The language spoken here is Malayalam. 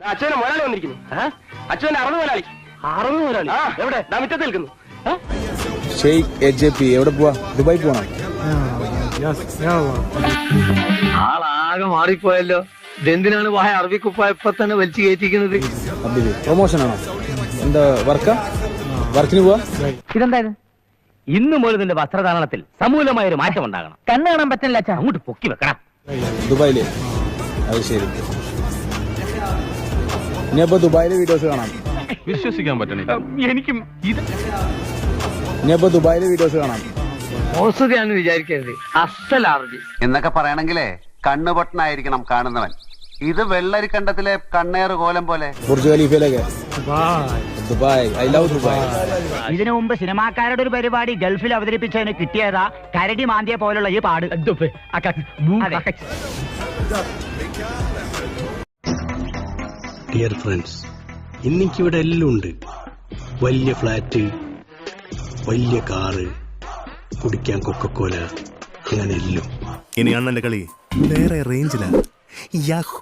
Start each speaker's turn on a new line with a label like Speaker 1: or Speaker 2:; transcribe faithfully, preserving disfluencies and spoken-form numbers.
Speaker 1: അച്ഛനെ മുതലാളി വന്നിരിക്കുന്നു. അച്ഛന്റെ അറുപത് മുതലാളി. അറുപത് മുതലാളി എവിടെ? മുറ്റത്ത് നിൽക്കുന്നു.
Speaker 2: ഷെയ്ഖ് എ ജെ പി എവിടെ പോവാ? ദുബായ് പോണം.
Speaker 3: ആളാകെ മാറിപ്പോയല്ലോ. ഇതെന്തിനാണ് വായ അറബി കുപ്പായപ്പോ തന്നെ വലിച്ചു കയറ്റിക്കുന്നത്?
Speaker 2: പ്രൊമോഷൻ ആണോ? എന്താ വർക്കാ? വർക്കിന് പോവാ?
Speaker 1: ഇതെന്തായാലും ഇന്നു മുതൽ നിന്റെ വസ്ത്രധാരണത്തിൽ സമൂലമായ ഒരു മാറ്റം ഉണ്ടാകണം. കണ്ണ് കാണാൻ പറ്റില്ല അച്ഛാ. അങ്ങോട്ട് പൊക്കി വെക്കണം.
Speaker 2: ദുബായില്? അത് ശരി. ഇനിയപ്പോ ദുബായിലെ വീഡിയോസ് കാണാം.
Speaker 4: വിശ്വസിക്കാൻ പറ്റണില്ല.
Speaker 1: എനിക്കും ഇത്
Speaker 2: ഇനിയപ്പോ ദുബായിലെ വീഡിയോസ് കാണാം.
Speaker 3: മോശതയാണെന്ന് വിചാരിക്കരുത്. അസൽ അറബി
Speaker 5: എന്നൊക്കെ പറയണെങ്കിലേ കണ്ണുപൊട്ടനായിരിക്കണം കാണുന്നവൻ. ഇത് വെള്ളരിക്കണ്ടത്തിലെ കണ്ണേറ് കോലം പോലെ.
Speaker 2: ബുർജ് ഖലീഫയിലൊക്കെ ദുബായ്. I love Dubai.
Speaker 1: ഇതിനു മുമ്പ് സിനിമാക്കാരുടെ ഒരു പരിപാടി ഗൾഫിൽ അവതരിപ്പിച്ചതിന് കിട്ടിയതാ കരടി മാന്തിയ പോലുള്ള ഈ പാട്.
Speaker 6: ഡിയർ ഫ്രണ്ട്സ്, ഇന്നിക്കിവിടെ എല്ലാം ഉണ്ട്. വലിയ ഫ്ലാറ്റ്, വലിയ കാറ്, കുടിക്കാൻ കൊക്കക്കോല, അങ്ങനെ എല്ലാം.
Speaker 7: ഇനി അണ്ണന്റെ കളി വേറെ റേഞ്ചിലാണ്.